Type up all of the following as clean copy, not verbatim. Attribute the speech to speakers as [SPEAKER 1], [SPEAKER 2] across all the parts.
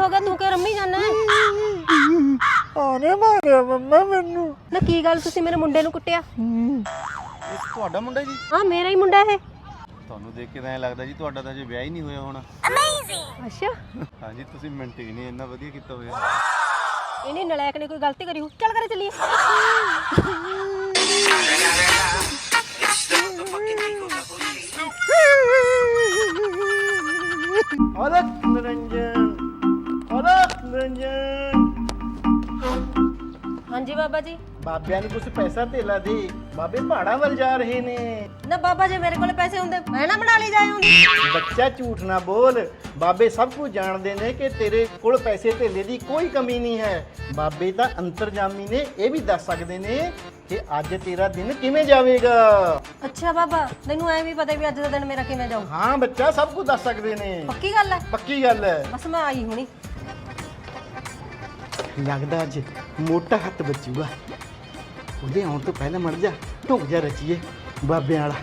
[SPEAKER 1] हो गया तू क्या रम्मी जाना है?
[SPEAKER 2] ਆਨੇ ਮਾਰਿਆ ਮੰਮਾ ਮੈਨੂੰ।
[SPEAKER 1] ना की गल तुसी मेरे मुंडे नूं कुੱਟਿਆ?
[SPEAKER 3] ਇਹ ਤੁਹਾਡਾ ਮੁੰਡਾ ਜੀ?
[SPEAKER 1] हाँ मेरा ही मुंडा है।
[SPEAKER 3] ਤੁਹਾਨੂੰ ਦੇਖ ਕੇ ਤਾਂ ਐਂ ਲੱਗਦਾ ਜੀ ਤੁਹਾਡਾ ਤਾਂ ਅਜੇ ਵਿਆਹ ਹੀ ਨਹੀਂ ਹੋਇਆ ਹੋਣਾ।
[SPEAKER 1] अच्छा
[SPEAKER 3] ਹਾਂਜੀ ਤੁਸੀਂ ਮੇਨਟੇਨ ਹੀ ਇੰਨਾ ਵਧੀਆ ਕੀਤਾ ਹੋਇਆ।
[SPEAKER 1] इन्हें नलायक ने कोई गलती करी हो? चल करे चलिए।
[SPEAKER 2] औरत निरंजन, औरत निरंजन।
[SPEAKER 1] हाँ जी बाबा जी।
[SPEAKER 2] ਬਾਬਿਆਂ ਨੂੰ ਕੁਝ ਪੈਸਾ ਧੇਲਾ ਦੇ, ਬਾਬੇ ਪਹਾੜਾਂ ਵੱਲ ਜਾ ਰਹੇ ਨੇ।
[SPEAKER 1] ना बाबा जी मेरे को पैसे होंगे मैं ना बना ली जाए होंगे।
[SPEAKER 2] ਬੱਚਾ ਝੂਠ ਨਾ ਬੋਲ, ਬਾਬੇ ਸਭ ਕੁਝ ਜਾਣਦੇ ਨੇ ਕਿ ਤੇਰੇ ਕੋਲ ਪੈਸੇ ਧੇਲੇ ਦੀ ਕੋਈ ਕਮੀ ਨਹੀਂ ਹੈ। ਬਾਬੇ ਤਾਂ ਅੰਤਰਜਾਮੀ ਨੇ, ਇਹ ਵੀ ਦੱਸ ਸਕਦੇ ਨੇ ਕਿ ਅੱਜ ਤੇਰਾ ਦਿਨ ਕਿਵੇਂ ਜਾਵੇਗਾ।
[SPEAKER 1] अच्छा बाबा तैनू ऐ भी पता भी अज दा दिन मेरा किवें जाऊ?
[SPEAKER 2] ਹਾਂ ਬੱਚਾ ਸਭ ਕੁਝ ਦੱਸ ਸਕਦੇ ਨੇ।
[SPEAKER 1] पक्की गल है?
[SPEAKER 2] ਪੱਕੀ ਗੱਲ ਹੈ।
[SPEAKER 1] बस मैं आई हुणी।
[SPEAKER 2] ਲੱਗਦਾ ਅੱਜ ਮੋਟਾ ਹੱਥ ਬਚੂਗਾ। ਉਹਦੇ ਆਉਣ ਤੋਂ ਪਹਿਲਾਂ ਮੜ ਜਾ ਢੁੱਕ ਜਾ ਰਚੀਏ ਬਾਬਿਆਂ ਵਾਲਾ।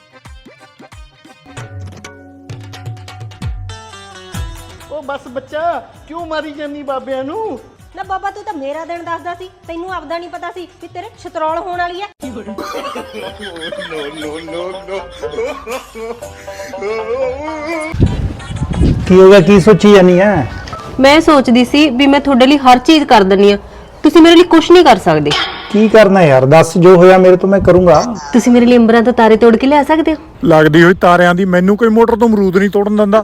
[SPEAKER 2] ਉਹ ਬਸ ਬੱਚਾ ਕਿਉਂ ਮਾਰੀ ਜਾਨੀ ਬਾਬਿਆਂ ਨੂੰ?
[SPEAKER 1] ना बाबा तू तो मेरा दिन दसदा सी, तैनू आपदा नहीं पता सी कि तेरे छतरौल होने वाली है।
[SPEAKER 4] ਕੀ ਹੋ ਗਿਆ? ਕੀ ਸੋਚੀ ਜਾਨੀ ਹੈ?
[SPEAKER 1] मैं सोचदी सी भी मैं ਤੁਹਾਡੇ ਲਈ ਹਰ ਚੀਜ਼ ਕਰ ਦਿੰਨੀ ਆ, ਤੁਸੀਂ ਮੇਰੇ ਲਈ ਕੁਝ ਨਹੀਂ ਕਰ ਸਕਦੇ।
[SPEAKER 4] ਕੀ ਕਰਨਾ ਯਾਰ? ਦੱਸ, ਜੋ ਹੋਇਆ ਮੇਰੇ ਤੋਂ ਮੈਂ ਕਰੂੰਗਾ।
[SPEAKER 1] ਤੁਸੀਂ ਮੇਰੇ ਲਈ ਅੰਬਰਾਂ ਤੋਂ ਤਾਰੇ ਤੋੜ ਕੇ ਲਿਆ ਸਕਦੇ ਹੋ?
[SPEAKER 4] ਲੱਗਦੀ ਹੋਈ ਤਾਰਿਆਂ ਦੀ ਮੈਨੂੰ ਕੋਈ ਮੋਟਰ ਤੋਂ ਅਮਰੂਦ ਨਹੀਂ ਤੋੜਨ ਦਿੰਦਾ।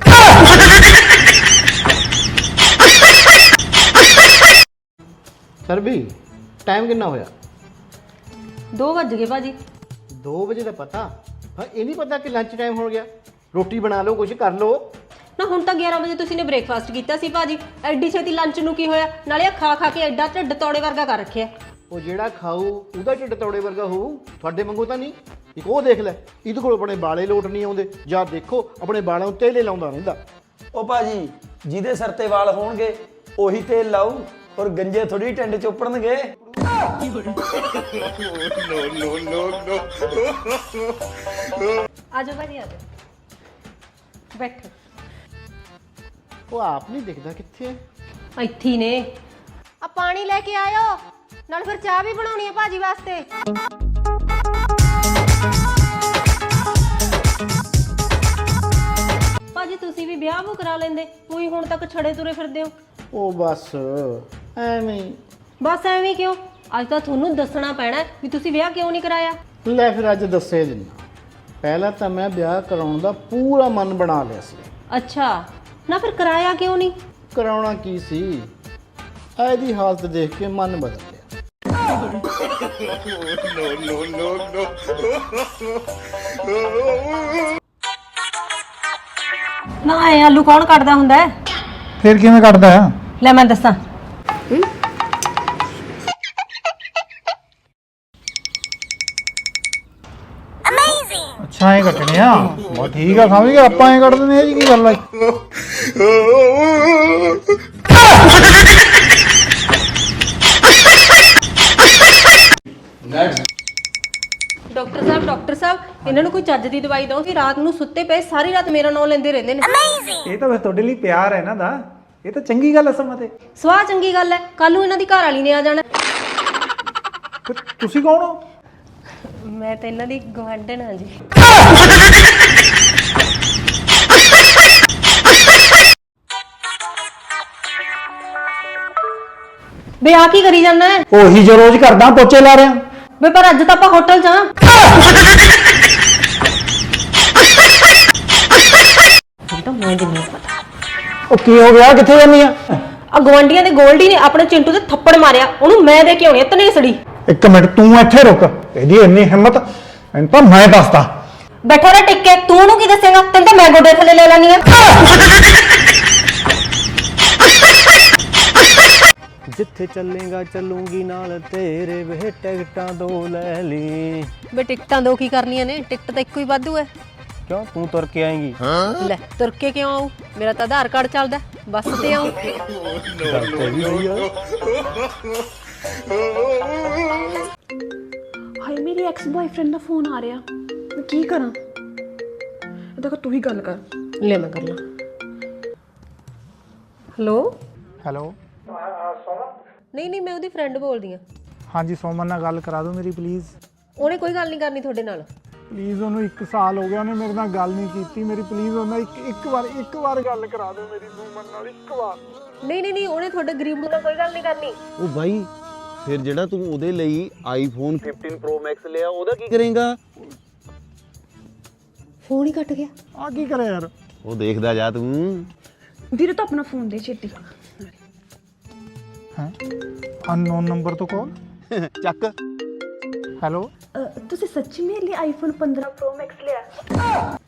[SPEAKER 2] ਸਰ ਵੀ ਟਾਈਮ ਕਿੰਨਾ ਹੋਇਆ?
[SPEAKER 1] 2 ਵਜ ਗਏ ਭਾਜੀ।
[SPEAKER 2] 2 ਵਜੇ ਦਾ ਪਤਾ? ਹਾਂ ਇਹ ਨਹੀਂ ਪਤਾ ਕਿ ਲੰਚ ਟਾਈਮ ਹੋ ਗਿਆ। ਰੋਟੀ ਬਣਾ ਲਓ, ਕੁਝ ਕਰ ਲਓ।
[SPEAKER 1] ਨਾ ਹੁਣ ਤਾਂ 11 ਵਜੇ ਤੁਸੀਂ ਨੇ ਬ੍ਰੇਕਫਾਸਟ ਕੀਤਾ ਸੀ ਭਾਜੀ, ਐਡੀ ਛੇਤੀ ਲੰਚ ਨੂੰ ਕੀ ਹੋਇਆ? ਨਾਲੇ ਖਾ ਖਾ ਕੇ ਐਡਾ ਢਿੱਡ ਤੋੜੇ ਵਰਗਾ ਕਰ ਰੱਖਿਆ।
[SPEAKER 2] ਉਹ ਜਿਹੜਾ ਖਾਊ ਉਹਦਾ ਢਿੱਡ ਤੌੜੇ ਵਰਗਾ ਹੋਊ, ਤੁਹਾਡੇ ਵਾਂਗੂ ਤਾਂ ਨਹੀਂ। ਇੱਕ ਉਹ ਦੇਖ ਲੈ, ਇਹਦੇ ਕੋਲ ਆਪਣੇ ਬਾਲੇ ਲੋਟ ਨਹੀਂ ਆਉਂਦੇ, ਜਾਂ ਦੇਖੋ ਆਪਣੇ ਬਾਲਾਂ ਉੱਤੇ ਤੇਲੇ ਲਾਉਂਦਾ ਰਹਿੰਦਾ।
[SPEAKER 5] ਉਹ ਭਾਜੀ ਜਿਹਦੇ ਸਿਰ ਤੇ ਵਾਲ ਹੋਣਗੇ ਉਹੀ ਤੇਲ ਲਾਊ, ਔਰ ਗੰਜੇ ਥੋੜੀ ਟਿੰਡ ਚੋਪੜਨਗੇ।
[SPEAKER 1] ਆਜੋ ਭਾਜੀ ਆਜੋ, ਬੈਠੋ।
[SPEAKER 2] ਉਹ ਆਪ ਨਹੀਂ ਦਿਖਦਾ ਕਿੱਥੇ ਹੈ।
[SPEAKER 1] ਇੱਥੇ ਹੀ ਨੇ। ਆ ਪਾਣੀ ਲੈ ਕੇ ਆਇਓ, ਨਾਲ ਫਿਰ ਚਾਹ ਵੀ ਬਣਾਉਣੀ ਹੈ ਭਾਜੀ ਵਾਸਤੇ। ਭਾਜੀ ਤੁਸੀਂ ਵੀ ਵਿਆਹ ਕਰਾ ਲੈਂਦੇ, ਕੋਈ ਹੁਣ ਤੱਕ ਛੜੇ ਤੁਰੇ ਫਿਰਦੇ ਹੋ।
[SPEAKER 2] ਉਹ ਬਸ ਐਵੇਂ ਹੀ।
[SPEAKER 1] ਬਸ ਐਵੇਂ ਕਿਉਂ? ਅੱਜ ਤਾਂ ਤੁਹਾਨੂੰ ਦੱਸਣਾ ਪੈਣਾ ਵੀ ਤੁਸੀਂ ਵਿਆਹ ਕਿਉਂ ਨਹੀਂ ਕਰਾਇਆ।
[SPEAKER 2] ਲੈ ਫਿਰ ਅੱਜ ਦੱਸੇ ਦਿੰਦਾ। ਪਹਿਲਾਂ ਤਾਂ ਮੈਂ ਵਿਆਹ ਕਰਾਉਣ ਦਾ ਪੂਰਾ ਮਨ ਬਣਾ ਲਿਆ ਸੀ।
[SPEAKER 1] ਅੱਛਾ, ਨਾ ਫਿਰ ਕਰਾਇਆ ਕਿਉਂ ਨਹੀਂ?
[SPEAKER 2] ਕਰਾਉਣਾ ਕੀ ਸੀ, ਇਹਦੀ ਹਾਲਤ ਦੇਖ ਕੇ ਮਨ ਬਦਲ ਗਿਆ।
[SPEAKER 1] ਨਾ ਇਹ ਆਲੂ ਕੌਣ ਕੱਟਦਾ ਹੁੰਦਾ ਹੈ?
[SPEAKER 4] ਫਿਰ ਕਿਵੇਂ ਕੱਢਦਾ ਆ?
[SPEAKER 1] ਲੈ ਮੈਂ ਦੱਸਾਂ।
[SPEAKER 4] ਅੱਛਾ ਐ ਕੱਟਣੇ ਆ? ਬਹੁਤ ਠੀਕ ਆ, ਸਮਝ ਗਿਆ। ਆਪਾਂ ਐ ਕੱਢ ਦਿੰਦੇ ਆ ਜੀ, ਕੀ ਗੱਲ ਆ?
[SPEAKER 1] ਡਾਕਟਰ ਸਾਹਿਬ ਇਹਨਾਂ ਨੂੰ ਕੋਈ ਚੱਜ ਦੀ ਦਵਾਈ ਦਿਓ ਕਿ ਰਾਤ ਨੂੰ ਸੁੱਤੇ ਪਏ ਸਾਰੀ ਰਾਤ ਮੇਰਾ ਨਾਮ ਲੈਂਦੇ ਰਹਿੰਦੇ ਨੇ।
[SPEAKER 4] ਇਹ ਤਾਂ ਫਿਰ ਤੁਹਾਡੇ ਲਈ ਪਿਆਰ ਹੈ ਇਹਨਾਂ ਦਾ, ਇਹ ਤਾਂ ਚੰਗੀ ਗੱਲ ਹੈ ਸਮਾਂ ਤੇ।
[SPEAKER 1] ਸਵਾਹ ਚੰਗੀ ਗੱਲ ਹੈ, ਕੱਲ ਨੂੰ ਇਹਨਾਂ ਦੀ ਘਰ ਵਾਲੀ ਨੇ ਆ ਜਾਣਾ।
[SPEAKER 4] ਫਿਰ ਤੁਸੀਂ ਕੌਣ ਹੋ?
[SPEAKER 1] ਮੈਂ ਤਾਂ ਇਹਨਾਂ ਦੀ ਗੁਆਂਢਣ ਹਾਂ ਜੀ। ਬੇ ਆ ਕੀ ਕਰੀ ਜਾਂਦਾ ਹੈ?
[SPEAKER 4] ਉਹੀ ਜੋ ਰੋਜ਼ ਕਰਦਾ, ਪੋਚੇ ਲਾ ਰਿਹਾ।
[SPEAKER 1] ਬੇ ਪਰ ਅੱਜ ਤਾਂ ਆਪਾਂ ਹੋਟਲ 'ਚ ਆ। ਤਾਂ ਮੈਂ ਨਹੀਂ ਪਤਾ।
[SPEAKER 4] ਉਹ ਕੀ ਹੋ ਗਿਆ? ਕਿੱਥੇ ਜਾਂਦੀ ਆ?
[SPEAKER 1] ਆ ਗਵਾਂਡੀਆਂ ਦੇ ਗੋਲਡੀ ਨੇ ਆਪਣੇ ਚਿੰਟੂ ਤੇ ਥੱਪੜ ਮਾਰਿਆ, ਉਹਨੂੰ ਮੈਂ ਦੇ ਕੇ ਆਉਣੀ ਤਨੇਸੜੀ।
[SPEAKER 4] ਇੱਕ ਮਿੰਟ, ਤੂੰ ਇੱਥੇ ਰੁਕ। ਇਹਦੀ ਇੰਨੀ ਹਿੰਮਤ, ਇਹਨੂੰ ਤਾਂ ਮੈਂ ਦੱਸਦਾ।
[SPEAKER 1] ਬੈਠਾ ਰਹਿ ਟਿੱਕੇ, ਤੂੰ ਉਹਨੂੰ ਕੀ ਦੱਸੇਗਾ? ਤੈਨੂੰ ਤਾਂ ਮੈਂ ਗੋਡੇ ਥੱਲੇ ਲੈ ਲੈਣੀ ਆ।
[SPEAKER 5] ਜਿੱਥੇ ਚੱਲੇਗਾ ਚੱਲੂਗੀ ਨਾਲ ਤੇਰੇ, ਵੇ ਟਿਕਟਾਂ 2 ਲੈ ਲਈ।
[SPEAKER 1] ਬੇ ਟਿਕਟਾਂ ਦੋ ਕੀ ਕਰਨੀਆਂ ਨੇ? ਟਿਕਟ ਤਾਂ ਇੱਕੋ ਹੀ ਵਾਧੂ ਹੈ।
[SPEAKER 5] ਕਿਉਂ, ਤੂੰ ਤੁਰ ਕੇ ਆਏਂਗੀ?
[SPEAKER 1] ਲੈ ਤੁਰ ਕੇ ਕਿਉਂ ਆਊ? ਮੇਰਾ ਤਾਂ ਆਧਾਰ ਕਾਰਡ ਚੱਲਦਾ, ਬੱਸ ਤੇ ਆਊ।
[SPEAKER 6] ਹਾਏ ਮੇਰੀ ਐਕਸ ਬॉयਫ੍ਰੈਂਡ ਦਾ ਫੋਨ ਆ ਰਿਹਾ, ਮੈਂ ਕੀ ਕਰਾਂ? ਇਹਦਾ ਤੂੰ ਹੀ ਗੱਲ ਕਰ।
[SPEAKER 1] ਲੈ ਮੈਂ ਕਰ ਲਾਂ। ਹੈਲੋ
[SPEAKER 4] ਹੈਲੋ
[SPEAKER 1] ਨਹੀਂ ਮੈਂ ਉਹਦੀ ਫਰੈਂਡ ਬੋਲਦੀ ਆ।
[SPEAKER 4] ਹਾਂਜੀ ਸੋਮਨ ਨਾਲ ਗੱਲ ਕਰਾ ਦਿਓ ਮੇਰੀ ਪਲੀਜ਼।
[SPEAKER 1] ਉਹਨੇ ਕੋਈ ਗੱਲ ਨਹੀਂ ਕਰਨੀ ਤੁਹਾਡੇ ਨਾਲ।
[SPEAKER 4] ਪਲੀਜ਼ ਉਹਨੂੰ 1 ਸਾਲ ਹੋ ਗਿਆ ਉਹਨੇ ਮੇਰੇ ਨਾਲ ਗੱਲ ਨਹੀਂ ਕੀਤੀ ਮੇਰੀ। ਪਲੀਜ਼ ਉਹਨਾਂ ਇੱਕ ਵਾਰ ਗੱਲ ਕਰਾ ਦਿਓ ਮੇਰੀ ਸੋਮਨ ਨਾਲ, ਇੱਕ ਵਾਰ।
[SPEAKER 1] ਨਹੀਂ ਉਹਨੇ ਤੁਹਾਡੇ ਗਰੀਬ ਨੂੰ ਨਾਲ ਕੋਈ ਗੱਲ ਨਹੀਂ ਕਰਨੀ।
[SPEAKER 3] ਉਹ ਬਾਈ ਫਿਰ ਜਿਹੜਾ ਤੂੰ ਉਹਦੇ ਲਈ ਆਈਫੋਨ 15 Pro Max ਲਿਆ ਉਹਦਾ ਕੀ ਕਰੇਂਗਾ?
[SPEAKER 1] ਫੋਨ ਹੀ ਕੱਟ ਗਿਆ।
[SPEAKER 4] ਆ ਕੀ ਕਰੇ ਯਾਰ?
[SPEAKER 3] ਉਹ ਦੇਖਦਾ ਜਾ ਤੂੰ।
[SPEAKER 6] ਵੀਰੇ ਤਾਂ ਆਪਣਾ ਫੋਨ ਦੇ ਛੇਤੀ।
[SPEAKER 4] ਹੈ ਅਨਨੋਨ ਨੰਬਰ ਤੋਂ ਕਾਲ।
[SPEAKER 3] ਚੱਕ।
[SPEAKER 4] ਹੈਲੋ
[SPEAKER 6] ਤੁਸੀਂ ਸੱਚੀ ਮੇਰੇ ਲਈ ਆਈਫੋਨ 15 Pro Max ਲਿਆ?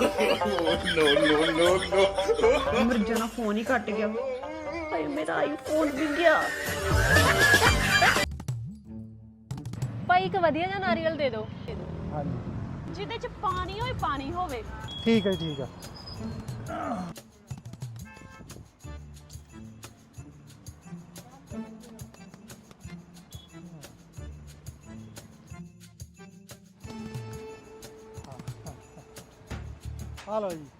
[SPEAKER 6] ਨੋ ਮਰ ਜਾਣਾ, ਫੋਨ ਹੀ ਕੱਟ ਗਿਆ। ਹਾਏ ਮੇਰਾ ਆਈਫੋਨ ਵੀ ਗਿਆ।
[SPEAKER 1] ਭਾਈ ਇੱਕ ਵਧੀਆ ਜਿਹਾ ਨਾਰੀਅਲ ਦੇ ਦਿਓ
[SPEAKER 4] ਹਾਂਜੀ
[SPEAKER 6] ਜਿਹਦੇ ਚ ਪਾਣੀ ਹੋਏ, ਪਾਣੀ ਹੋਵੇ।
[SPEAKER 4] ਠੀਕ ਹੈ ਠੀਕ ਹੈ। ਹਾਲੋ ਜੀ।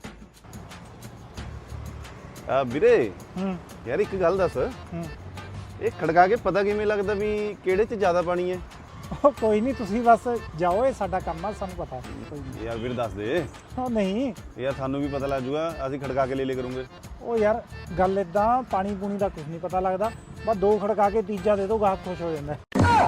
[SPEAKER 3] ਵੀਰੇ
[SPEAKER 4] ਹੂੰ
[SPEAKER 3] ਯਾਰ ਇੱਕ ਗੱਲ ਦੱਸ,
[SPEAKER 4] ਹੂੰ
[SPEAKER 3] ਇਹ ਖੜਕਾ ਕੇ ਪਤਾ ਕਿਵੇਂ ਲੱਗਦਾ ਵੀ ਕਿਹੜੇ 'ਚ ਜ਼ਿਆਦਾ ਪਾਣੀ ਹੈ?
[SPEAKER 4] ਉਹ ਕੋਈ ਨਹੀਂ, ਤੁਸੀਂ ਬਸ ਜਾਓ, ਇਹ ਸਾਡਾ ਕੰਮ ਆ, ਸਾਨੂੰ ਪਤਾ। ਕੋਈ ਨਹੀਂ।
[SPEAKER 3] ਯਾਰ ਵੀਰ ਦੱਸ ਦੇ
[SPEAKER 4] ਉਹ ਨਹੀਂ
[SPEAKER 3] ਯਾਰ, ਸਾਨੂੰ ਵੀ ਪਤਾ ਲੱਗ ਜੂਗਾ, ਅਸੀਂ ਖੜਕਾ ਕੇ ਲੈ ਲਿਆ ਕਰੂੰਗੇ।
[SPEAKER 4] ਉਹ ਯਾਰ ਗੱਲ ਇਦਾਂ, ਪਾਣੀ ਪੂਣੀ ਦਾ ਕੁਝ ਨਹੀਂ ਪਤਾ ਲੱਗਦਾ। ਬਸ 2 ਖੜਕਾ ਕੇ ਤੀਜਾ ਦੇ ਦਿਓ, ਗਾਹਕ ਖੁਸ਼ ਹੋ ਜਾਂਦਾ।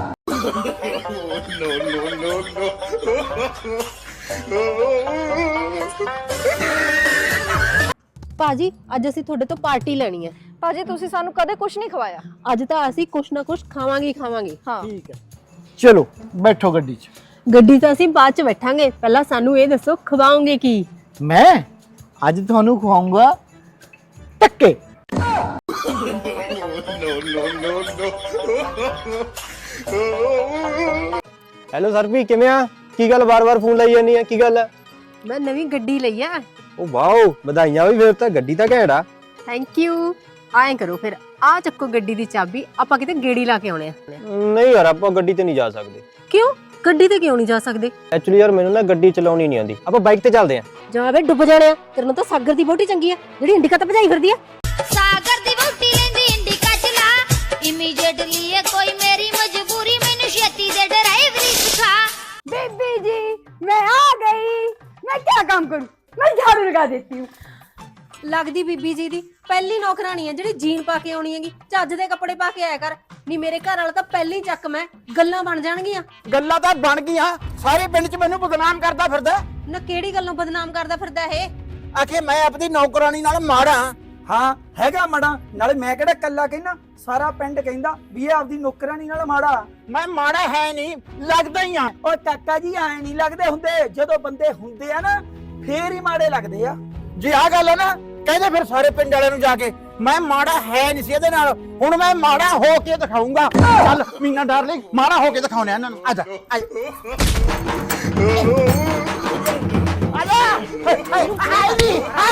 [SPEAKER 1] ਭਾਜੀ ਅੱਜ ਅਸੀਂ ਤੁਹਾਡੇ ਤੋਂ ਪਾਰਟੀ ਲੈਣੀ ਹੈ।
[SPEAKER 6] ਭਾਜੀ ਤੁਸੀਂ ਸਾਨੂੰ ਕਦੇ ਕੁਝ ਨਹੀਂ ਖਵਾਇਆ।
[SPEAKER 1] ਅੱਜ ਤਾਂ ਅਸੀਂ ਕੁਛ ਨਾ ਕੁਛ ਖਾਵਾਂਗੇ।
[SPEAKER 6] ਹਾਂ
[SPEAKER 2] ਠੀਕ ਹੈ, ਚਲੋ ਬੈਠੋ ਗੱਡੀ 'ਚ।
[SPEAKER 1] ਗੱਡੀ ਤਾਂ ਅਸੀਂ ਬਾਅਦ ਚ ਬੈਠਾਂਗੇ, ਪਹਿਲਾਂ ਸਾਨੂੰ ਇਹ ਦੱਸੋ ਖਵਾਓਗੇ ਕੀ?
[SPEAKER 2] ਮੈਂ ਅੱਜ ਤੁਹਾਨੂੰ ਖਵਾਉਂਗਾ ਟੱਕੇ।
[SPEAKER 7] ਹੈਲੋ ਸਰਪੀ, ਕਿਵੇਂ ਆ? ਕੀ ਗੱਲ ਬਾਰ-ਬਾਰ ਫੋਨ ਲਾਈ ਜਾਂਦੀ ਆ? ਕੀ ਗੱਲ ਹੈ?
[SPEAKER 1] ਮੈਂ ਨਵੀਂ ਗੱਡੀ ਲਈ ਆ।
[SPEAKER 7] ਉਹ ਵਾਓ, ਵਧਾਈਆਂ ਵੀ। ਫਿਰ ਤਾਂ ਗੱਡੀ ਤਾਂ ਘੈਂਟ ਆ।
[SPEAKER 1] Thank you. ਆਏ ਕਰੋ ਫਿਰ, ਆ ਚੱਕੋ ਗੱਡੀ ਦੀ ਚਾਬੀ, ਆਪਾਂ ਕਿਤੇ ਗੇੜੀ ਲਾ ਕੇ ਆਉਣੇ ਆ।
[SPEAKER 7] ਨਹੀਂ ਯਾਰ, ਆਪਾਂ ਗੱਡੀ ਤੇ ਨਹੀਂ ਜਾ ਸਕਦੇ।
[SPEAKER 1] ਕਿਉਂ? ਗੱਡੀ ਤੇ ਕਿਉਂ ਨਹੀਂ ਜਾ ਸਕਦੇ?
[SPEAKER 7] ਐਕਚੁਅਲੀ ਯਾਰ ਮੈਨੂੰ ਨਾ ਗੱਡੀ ਚਲਾਉਣੀ ਨਹੀਂ ਆਉਂਦੀ। ਆਪਾਂ ਬਾਈਕ ਤੇ ਚੱਲਦੇ ਆਂ।
[SPEAKER 1] ਜਾ ਵੇ ਡੁੱਬ ਜਾਣੇ ਆ। ਤੇਰੇ ਨਾਲ ਤਾਂ ਸਾਗਰ ਦੀ ਵਹੁਟੀ ਚੰਗੀ ਆ, ਜਿਹੜੀ ਇੰਡੀਕਾ ਤੇ ਭਜਾਈ ਫਿਰਦੀ ਆ।
[SPEAKER 8] ਸਾਗਰ ਦੀ ਵਹੁਟੀ ਲੈਂਦੀ ਇੰਡੀਕਾ ਚਲਾ, ਇਮੀਡੀਏਟਲੀ ਇਹ ਕੋਈ ਮੇਰੀ ਮਜਬੂਰੀ, ਮੈਨੂੰ ਛੇਤੀ ਦੇ ਡਰਾਈਵਰੀ ਸਿਖਾ।
[SPEAKER 6] बेबी जी मैं आ गई। मैं क्या काम करूं? मैं झाड़ू लगा देती हूँ।
[SPEAKER 1] ਲੱਗਦੀ ਬੀਬੀ ਜੀ ਦੀ ਪਹਿਲੀ ਨੌਕਰਾਣੀ ਆ ਜਿਹੜੀ ਜੀਨ ਪਾ ਕੇ ਆਉਣੀ ਹੈਗੀ। ਚੱਜ ਦੇ ਕੱਪੜੇ ਪਾ ਕੇ ਆਇਆ ਕਰ। ਨਹੀਂ ਮੇਰੇ ਘਰ ਵਾਲਾ ਤਾਂ ਪਹਿਲੀ ਚੱਕ ਮੈਂ, ਗੱਲਾਂ ਬਣ ਜਾਣਗੀਆਂ।
[SPEAKER 2] ਗੱਲਾਂ ਤਾਂ ਬਣ ਗਈਆਂ, ਸਾਰੇ ਪਿੰਡ 'ਚ ਮੈਨੂੰ ਬਦਨਾਮ ਕਰਦਾ ਫਿਰਦਾ।
[SPEAKER 1] ਨਾ ਕਿਹੜੀ ਗੱਲੋਂ ਬਦਨਾਮ ਕਰਦਾ ਫਿਰਦਾ ਇਹ?
[SPEAKER 2] ਆਖੇ ਮੈਂ ਆਪਣੀ ਨੌਕਰਾਨੀ ਨਾਲ ਮਾੜਾ।
[SPEAKER 5] ਹਾਂ ਹੈਗਾ ਮਾੜਾ, ਨਾਲੇ ਮੈਂ ਕਿਹੜਾ ਕੱਲਾ ਕਹਿੰਦਾ, ਸਾਰਾ ਪਿੰਡ ਕਹਿੰਦਾ ਵੀ ਇਹ ਆਪਦੀ ਨੌਕਰਾਨੀ ਨਾਲ ਮਾੜਾ।
[SPEAKER 2] ਮੈਂ ਮਾੜਾ ਹੈ ਨਹੀਂ, ਲੱਗਦਾ ਹੀ ਆ।
[SPEAKER 5] ਓ ਕਾਕਾ ਜੀ, ਐ ਨਹੀਂ ਲੱਗਦੇ ਹੁੰਦੇ, ਜਦੋਂ ਬੰਦੇ ਹੁੰਦੇ ਆ ਨਾ ਫੇਰ ਹੀ ਮਾੜੇ ਲੱਗਦੇ ਆ।
[SPEAKER 2] ਜੇ ਆ ਗੱਲ ਹੈ ਨਾ, ਕਹਿੰਦੇ ਫਿਰ ਸਾਰੇ ਪਿੰਡ ਵਾਲਿਆਂ ਨੂੰ ਜਾ ਕੇ ਮੈਂ ਮਾੜਾ ਹੈ ਨਹੀਂ ਸੀ ਇਹਦੇ ਨਾਲ, ਹੁਣ ਮੈਂ ਮਾੜਾ ਹੋ ਕੇ ਦਿਖਾਉਂਗਾ। ਚੱਲ ਮੀਨਾ ਡਾਰਲਿੰਗ, ਮਾੜਾ ਹੋ ਕੇ ਦਿਖਾਉਣੇ ਇਹਨਾਂ ਨੂੰ। ਆਜਾ ਆਜਾ ਆਈ